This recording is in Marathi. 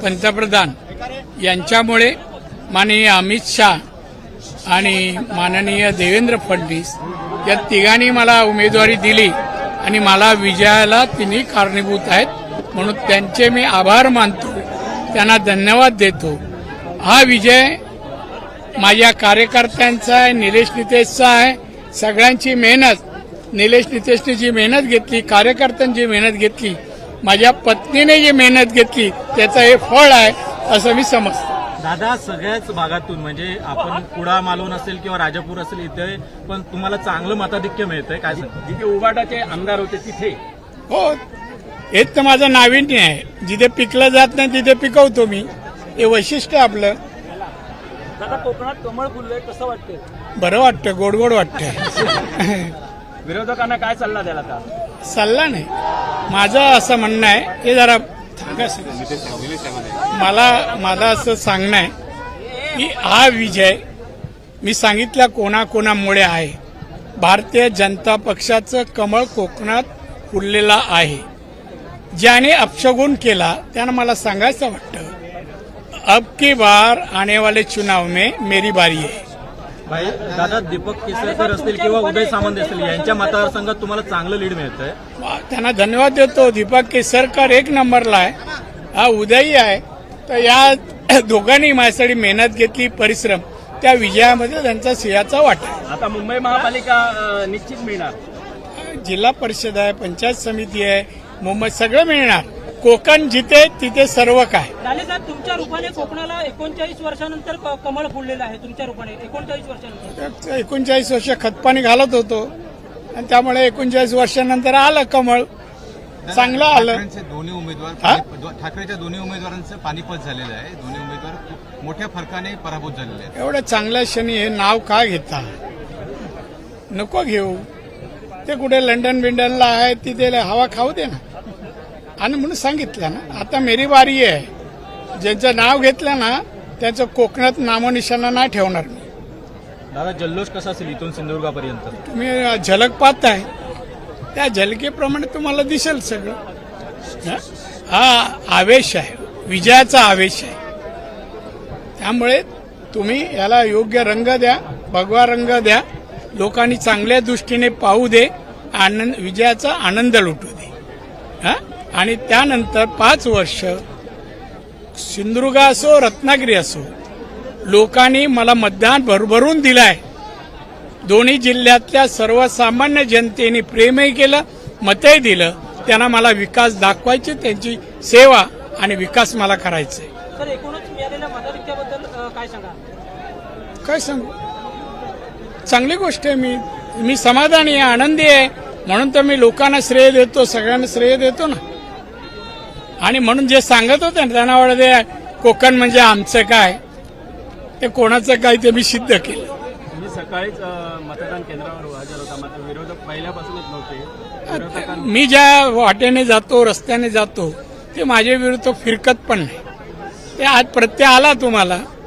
पंतप्रधान यांच्यामुळे माननीय अमित शाह आणि माननीय देवेंद्र फडणवीस या तिघांनी मला उमेदवारी दिली आणि मला विजयाला तिन्ही कारणीभूत आहेत, म्हणून त्यांचे मी आभार मानतो, त्यांना धन्यवाद देतो। हा विजय माझ्या कार्यकर्त्यांचा आहे, निलेश नितेशचा आहे, सगळ्यांची मेहनत, निलेश नितेशने जी मेहनत घेतली, कार्यकर्त्यांनी जी मेहनत घेतली, माझ्या पत्नीने जी मेहनत घेतली, त्याचं हे फळ आहे असं मी समजतो। दादा, सगळ्याच भागातून म्हणजे आपण कुडा मालवण असेल किंवा राजापूर असेल इथे पण तुम्हाला चांगलं मताधिक्य मिळतंय, काय सांगता? जिथे उबाटाचे आमदार होते तिथे हो, हेच तर माझं नाविन्य आहे। जिथे पिकलं जात नाही तिथे पिकवतो मी, हे वैशिष्ट्य आपलं। दादा, कोकणात कमळ फुललंय, कसं वाटतंय? बरं वाटतं, गोड गोड वाटतंय। विरोधकांना काय सल्ला द्याल आता? सल्ला नाही, माझं असं म्हणणं आहे, हे जरा मला असं सांगणं आहे की हा विजय मी सांगितलं कोणाकोणामुळे आहे। भारतीय जनता पक्षाचं कमळ कोकणात फुललेला आहे। ज्याने अपशगुन केला त्यानं मला सांगायचं वाटतं, अब की बार आने वाले चुनाव में मेरी बारी है। भाई दादा, दीपक केसरकर असतील किंवा उदय सामंत असतील यांच्या मतदारसंघात तुम्हाला चांगलं लीड मिळतंय, त्यांना धन्यवाद देतो। दीपक केसरकर एक नंबरला आहे, हा उदयी आहे, तर या दोघांनी माझ्यासाठी मेहनत घेतली, परिश्रम, त्या विजयामध्ये त्यांचा सिंहाचा वाटा आहे। आता मुंबई महापालिका निश्चित मिळणार, जिल्हा परिषद आहे, पंचायत समिती आहे, मुंबई सगळं मिळणार। कोकण जिथे तिथे सर्व काय। लाले साहेब, तुमच्या रूपाने कोकणाला 39 वर्षानंतर कमळ फुललेलं आहे, तुमच्या रूपाने 39 वर्षानंतर। 39 वर्ष खतपाणी घालत होतो आणि त्यामुळे 39 वर्षानंतर आलं कमळ, चांगलं आलं। दोन्ही उमेदवार ठाकरेच्या दोन्ही उमेदवारांचं पानिपत झालेलं आहे, दोन्ही उमेदवार मोठ्या फरकाने पराभूत झालेले आहेत। एवढ्या चांगल्या क्षणी हे नाव का घेता, नको घेऊ, ते कुठे लंडन बिंडनला आहे, तिथे हवा खाऊ दे ना। आणि म्हणून सांगितलं ना, आता मेरी बारी आहे। ज्यांचं नाव घेतलं ना त्याचं कोकणात नामोनिशाणा नाही ठेवणार मी। दादा, जल्लोष कसा असेल इथून सिंधुदुर्गापर्यंत? तुम्ही झलक पाहताय, त्या झलकेप्रमाणे तुम्हाला दिसेल सगळं। हा आवेश आहे, विजयाचा आवेश आहे, त्यामुळे तुम्ही याला योग्य रंग द्या, भगवा रंग द्या, लोकांनी चांगल्या दृष्टीने पाहू दे, आनंद, विजयाचा आनंद लुटू दे। आणि त्यानंतर 5 वर्ष सिंधुदुर्ग असो रत्नागिरी असो, लोकांनी मला मतदान भरभरून दिलंय। दोन्ही जिल्ह्यातल्या सर्वसामान्य जनतेने प्रेमही केलं, मतही दिलं, त्यांना मला विकास दाखवायची, त्यांची सेवा आणि विकास मला करायचा आहे। सर, एकूणच मिळालेल्या मताधिक्याबद्दल काय सांगा? काय सांगू, चांगली गोष्ट आहे। मी समाधानी आहे, आनंदी आहे, म्हणून तर मी लोकांना श्रेय देतो, सगळ्यांना श्रेय देतो ना। आणि म्हणून जे सांगत होते ना त्यांना वाटते कोकण म्हणजे आमचं काय, ते कोणाचं काय, ते मी सिद्ध केलं। तुम्ही सकाळीच मतदान केंद्रावर हजर होता, मात्र विरोधक पहिल्यापासूनच नव्हते। मी ज्या वाटेने जातो, रस्त्याने जातो, ते माझ्या विरुद्ध फिरकत पण नाही। ते आज प्रत्यय आला तुम्हाला,